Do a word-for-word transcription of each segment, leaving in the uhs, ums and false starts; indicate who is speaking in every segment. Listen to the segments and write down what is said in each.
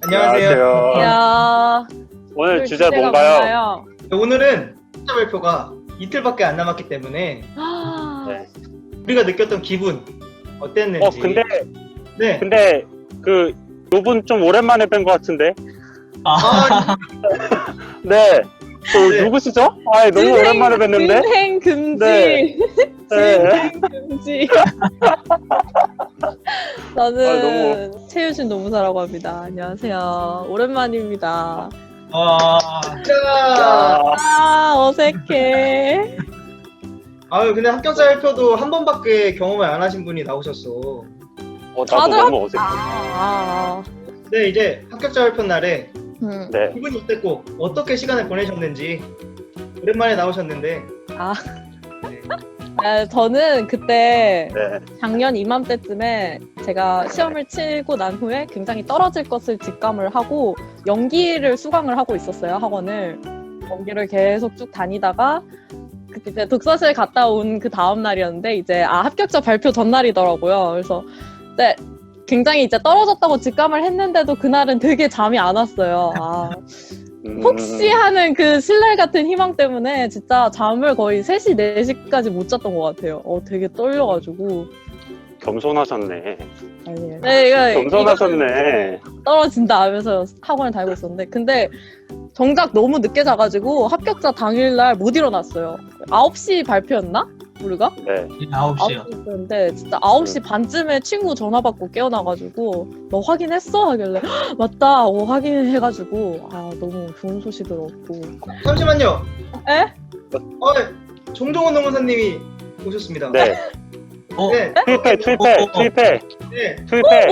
Speaker 1: 안녕하세요.
Speaker 2: 야,
Speaker 1: 오늘 주제
Speaker 2: 주제가
Speaker 1: 뭔가요?
Speaker 2: 뭔가요?
Speaker 3: 오늘은 학자 발표가 이틀밖에 안 남았기 때문에
Speaker 2: 아,
Speaker 1: 네.
Speaker 3: 우리가 느꼈던 기분 어땠는지.
Speaker 1: 어 근데
Speaker 3: 네.
Speaker 1: 근데 그 요분 좀 오랜만에 뵌 것 같은데.
Speaker 3: 아,
Speaker 1: 네. 그
Speaker 3: 네.
Speaker 1: 누구시죠? 아 너무
Speaker 2: 진행-
Speaker 1: 오랜만에 뵀는데.
Speaker 2: 진행 금지.
Speaker 1: 네. 네.
Speaker 2: 진행 금지.
Speaker 1: 아,
Speaker 2: 나는 최유신 노무사라고 합니다. 안녕하세요. 오랜만입니다.
Speaker 4: 와,
Speaker 3: 자,
Speaker 2: 아, 어색해.
Speaker 3: 아유 근데 합격자 발표도 한 번밖에 경험을 안 하신 분이 나오셨어.
Speaker 1: 어 나도
Speaker 2: 다들
Speaker 1: 너무 어색해.
Speaker 2: 아,
Speaker 3: 네, 이제 합격자 발표 날에
Speaker 2: 음.
Speaker 1: 네.
Speaker 3: 기분이 어땠고 어떻게 시간을 보내셨는지 오랜만에 나오셨는데.
Speaker 2: 아.
Speaker 3: 네.
Speaker 2: 아, 저는 그때
Speaker 1: 네.
Speaker 2: 작년 이맘때쯤에 제가 시험을 치고 난 후에 굉장히 떨어질 것을 직감을 하고 연기를 수강을 하고 있었어요, 학원을. 연기를 계속 쭉 다니다가 그때 독서실 갔다 온 그 다음 날이었는데 이제 아 합격자 발표 전날이더라고요. 그래서 네, 굉장히 이제 떨어졌다고 직감을 했는데도 그날은 되게 잠이 안 왔어요. 아,
Speaker 1: 음,
Speaker 2: 혹시 하는 그 신뢰 같은 희망 때문에 진짜 잠을 거의 세 시, 네 시까지 못 잤던 것 같아요. 어, 되게 떨려가지고.
Speaker 1: 겸손하셨네.
Speaker 2: 아니에요. 네, 이거,
Speaker 1: 겸손하셨네.
Speaker 2: 이거 떨어진다 하면서 학원을 다니고 있었는데. 근데 정작 너무 늦게 자가지고 합격자 당일날 못 일어났어요. 아홉 시 발표였나? 우리가?
Speaker 1: 네.
Speaker 4: 아홉 시요.
Speaker 2: 시였는데 진짜 아홉 시 반쯤에 친구 전화 받고 깨어나가지고 너 확인했어? 하길래 "헉, 맞다. 어, 확인해가지고 아 너무 좋은 소식을 얻고.
Speaker 3: 잠시만요.
Speaker 2: 에?
Speaker 3: 어, 네. 종종원 노무사님이 오셨습니다.
Speaker 1: 네.
Speaker 4: 어,
Speaker 3: 네.
Speaker 1: 투입해 투입해
Speaker 4: 어, 어, 어.
Speaker 1: 투입해
Speaker 3: 네.
Speaker 1: 투입해.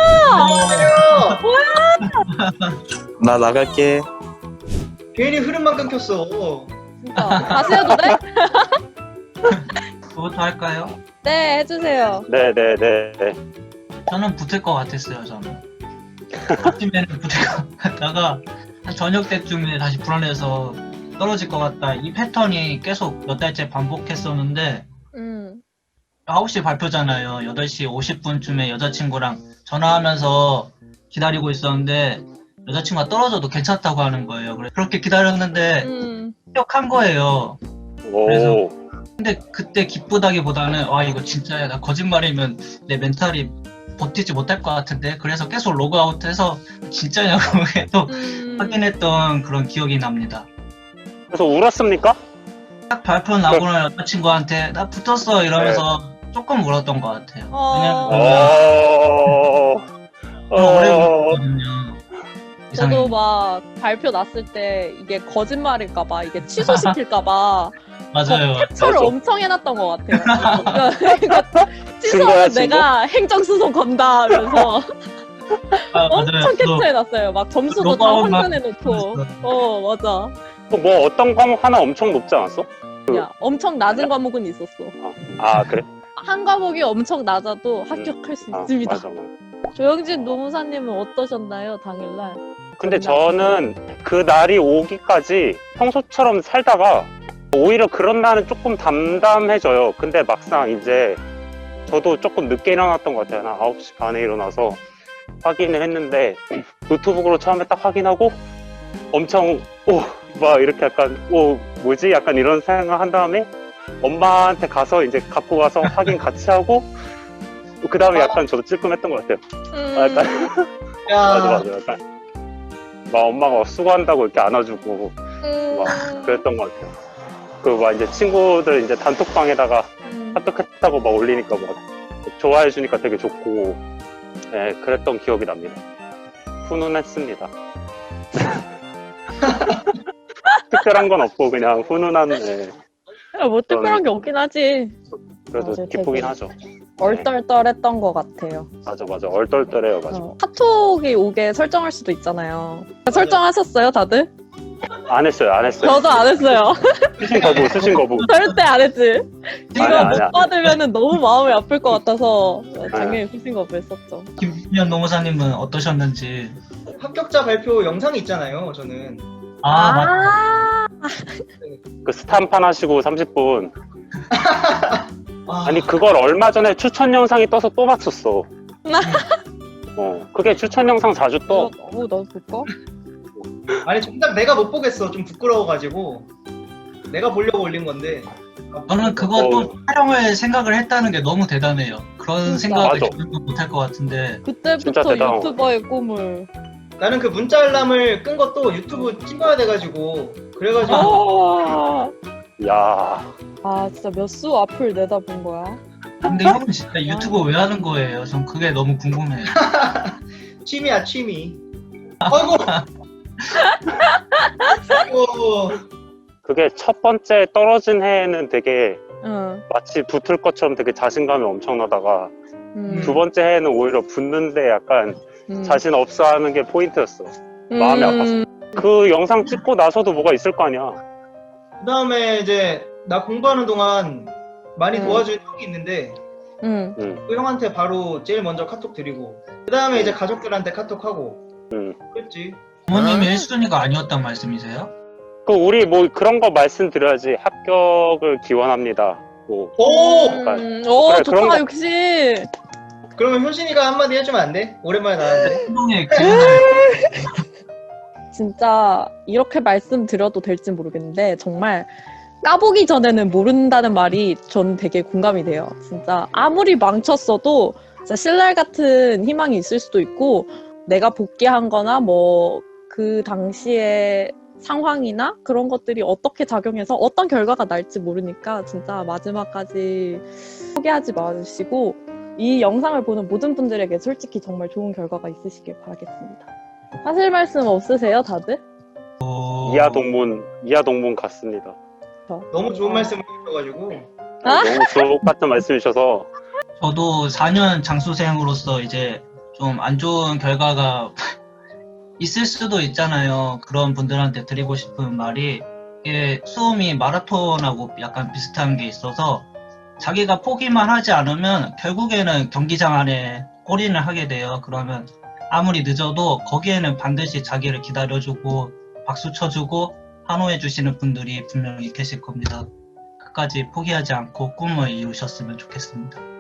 Speaker 3: 안녕하세요.
Speaker 5: 나 나갈게.
Speaker 3: 괜히 흐름만 끊겼어.
Speaker 2: 진짜 다시 해도 돼?
Speaker 4: 그것도 할까요?
Speaker 2: 네 해주세요.
Speaker 1: 네네네. 네.
Speaker 4: 저는 붙을 것 같았어요, 저는. 아침에는 붙을 것 같다가 한 저녁 때쯤에 다시 불안해서 떨어질 것 같다. 이 패턴이 계속 몇 달째 반복했었는데
Speaker 2: 음.
Speaker 4: 아홉 시 발표잖아요. 여덟 시 오십 분쯤에 여자친구랑 전화하면서 기다리고 있었는데 여자친구가 떨어져도 괜찮다고 하는 거예요. 그래서 그렇게 기다렸는데
Speaker 2: 음.
Speaker 4: 합격한 거예요.
Speaker 1: 오.
Speaker 4: 그래서- 근데 그때 기쁘다기보다는 와 이거 진짜야, 나 거짓말이면 내 멘탈이 버티지 못할 것 같은데, 그래서 계속 로그아웃해서 진짜냐고 계속
Speaker 2: 음.
Speaker 4: 확인했던 그런 기억이 납니다.
Speaker 1: 그래서 울었습니까?
Speaker 4: 딱 발표 나고 난 여자친구한테 나 붙었어 이러면서 조금 울었던 것 같아요.
Speaker 2: 어.
Speaker 4: 왜냐면
Speaker 1: 어.
Speaker 4: 오래
Speaker 1: 어.
Speaker 4: 울었거든요.
Speaker 2: 저도
Speaker 4: 이상해.
Speaker 2: 막 발표 났을 때 이게 거짓말일까봐 이게 취소시킬까봐
Speaker 4: 맞아요.
Speaker 2: 캡처를
Speaker 1: 맞아.
Speaker 2: 엄청 해놨던 것 같아요. 그러니까 취소하면
Speaker 1: 증거야, 증거?
Speaker 2: 내가 행정소송 건다 하면서
Speaker 4: 아,
Speaker 2: 엄청
Speaker 4: 맞아요. 저도
Speaker 2: 캡처해놨어요. 막 점수도 다
Speaker 4: 로그아웃 막
Speaker 2: 확인해놓고.
Speaker 4: 했어요.
Speaker 2: 어 맞아.
Speaker 1: 뭐 어떤 과목 하나 엄청 높지 않았어?
Speaker 2: 야 엄청 낮은 과목은 있었어.
Speaker 1: 아 그래?
Speaker 2: 한 과목이 엄청 낮아도 합격할 수
Speaker 1: 아,
Speaker 2: 있습니다.
Speaker 1: 맞아, 맞아.
Speaker 2: 조영진 노무사님은 어떠셨나요 당일날?
Speaker 1: 근데 저는 그 날이 오기까지 평소처럼 살다가 오히려 그런 날은 조금 담담해져요. 근데 막상 이제 저도 조금 늦게 일어났던 것 같아요. 한 아홉 시 반에 일어나서 확인을 했는데 노트북으로 처음에 딱 확인하고 엄청 오 막 이렇게 약간 오 뭐지 약간 이런 생각 한 다음에 엄마한테 가서 이제 갖고 가서 확인 같이 하고 그 다음에 약간 저도 찔끔했던 것 같아요.
Speaker 2: 음,
Speaker 1: 아, 약간
Speaker 3: 야,
Speaker 1: 맞아 맞아 약간 막 엄마가 막 수고한다고 이렇게 안아주고
Speaker 2: 음,
Speaker 1: 막 그랬던 것 같아요. 그 막 이제 친구들 이제 단톡방에다가
Speaker 2: 음.
Speaker 1: 합격했다고 막 올리니까 막 좋아해 주니까 되게 좋고 네, 그랬던 기억이 납니다. 훈훈했습니다. 특별한 건 없고 그냥 훈훈한 네,
Speaker 2: 야, 뭐 특별한 게 없긴 하지.
Speaker 1: 그래도
Speaker 2: 맞아,
Speaker 1: 기쁘긴
Speaker 2: 되게.
Speaker 1: 하죠.
Speaker 2: 얼떨떨했던 것 같아요.
Speaker 1: 맞아 맞아 얼떨떨해요 맞아.
Speaker 2: 어, 카톡이 오게 설정할 수도 있잖아요. 설정하셨어요, 다들?
Speaker 1: 안 했어요 안 했어요.
Speaker 2: 저도 안 했어요.
Speaker 1: 수신 거부 수신 거부.
Speaker 2: 절대 안 했지. 이거
Speaker 1: 아니야,
Speaker 2: 못
Speaker 1: 아니야.
Speaker 2: 받으면 너무 마음이 아플 것 같아서 당연히 후신 거부 했었죠.
Speaker 4: 김준현 노무사님은 어떠셨는지.
Speaker 3: 합격자 발표 영상이 있잖아요. 저는.
Speaker 4: 아, 맞
Speaker 2: 아,
Speaker 1: 그 스탄판 하시고 삼십 분
Speaker 3: 아,
Speaker 1: 아니 그걸 얼마 전에 추천 영상이 떠서 또 봤었어. 어, 그게 추천 영상 자주 떠.
Speaker 2: 어, 나도 볼까?
Speaker 3: 아니 정작 내가 못 보겠어. 좀 부끄러워가지고 내가 보려고 올린 건데.
Speaker 4: 저는 그것도
Speaker 1: 어.
Speaker 4: 촬영을 생각을 했다는 게 너무 대단해요. 그런
Speaker 2: 진짜.
Speaker 4: 생각을
Speaker 1: 맞아.
Speaker 4: 저도 못할 것 같은데.
Speaker 1: 진짜
Speaker 2: 그때부터
Speaker 1: 대단하다.
Speaker 2: 유튜버의 꿈을.
Speaker 3: 나는 그 문자 알람을 끈 것도 유튜브 찍어야 돼가지고 그래가지고
Speaker 2: 아,
Speaker 1: 야,
Speaker 2: 아 진짜 몇 수 앞을 내다본 거야.
Speaker 4: 근데 형은 진짜 유튜브 왜 하는 거예요? 전 그게 너무 궁금해요.
Speaker 3: 취미야 취미. 아이고. 아이고.
Speaker 1: 그게 첫 번째 떨어진 해에는 되게
Speaker 2: 응.
Speaker 1: 마치 붙을 것처럼 되게 자신감이 엄청나다가
Speaker 2: 음,
Speaker 1: 두 번째 해에는 오히려 붙는데 약간
Speaker 2: 음.
Speaker 1: 자신 없어 하는 게 포인트였어. 마음이
Speaker 2: 음,
Speaker 1: 그 영상 찍고 나서도 뭐가 있을 거 아니야.
Speaker 3: 그 다음에 이제 나 공부하는 동안 많이
Speaker 2: 음.
Speaker 3: 도와준 형이 있는데
Speaker 2: 음.
Speaker 3: 그 형한테 바로 제일 먼저 카톡 드리고 그 다음에 이제 가족들한테 카톡하고
Speaker 1: 음.
Speaker 3: 그랬지.
Speaker 4: 부모님이
Speaker 3: 아.
Speaker 4: 일 순위가 아니었단 말씀이세요?
Speaker 1: 그 우리 뭐 그런 거 말씀드려야지. 합격을 기원합니다. 뭐
Speaker 3: 오!
Speaker 2: 음, 오
Speaker 1: 그래, 그런
Speaker 2: 좋다
Speaker 1: 거-
Speaker 2: 역시.
Speaker 3: 그러면 효신이가 한마디 해주면 안 돼? 오랜만에 나왔는데.
Speaker 4: 행동의 기운을
Speaker 2: 진짜 이렇게 말씀드려도 될지 모르겠는데 정말 까보기 전에는 모른다는 말이 전 되게 공감이 돼요. 진짜 아무리 망쳤어도 진짜 신랄 같은 희망이 있을 수도 있고 내가 복귀한 거나 뭐 그 당시에 상황이나 그런 것들이 어떻게 작용해서 어떤 결과가 날지 모르니까 진짜 마지막까지 포기하지 마시고 이 영상을 보는 모든 분들에게 솔직히 정말 좋은 결과가 있으시길 바라겠습니다. 하실 말씀 없으세요, 다들?
Speaker 1: 이하 동문 이하 동문 같습니다.
Speaker 3: 너무 좋은 말씀을 해주셔가지고.
Speaker 2: 아?
Speaker 1: 너무 주옥 같은 말씀이셔서
Speaker 4: 저도 사 년 장수생으로서 이제 좀 안 좋은 결과가 있을 수도 있잖아요. 그런 분들한테 드리고 싶은 말이 이게 수험이 마라톤하고 약간 비슷한 게 있어서 자기가 포기만 하지 않으면 결국에는 경기장 안에 골인을 하게 돼요. 그러면 아무리 늦어도 거기에는 반드시 자기를 기다려주고 박수 쳐주고 환호해 주시는 분들이 분명히 계실 겁니다. 끝까지 포기하지 않고 꿈을 이루셨으면 좋겠습니다.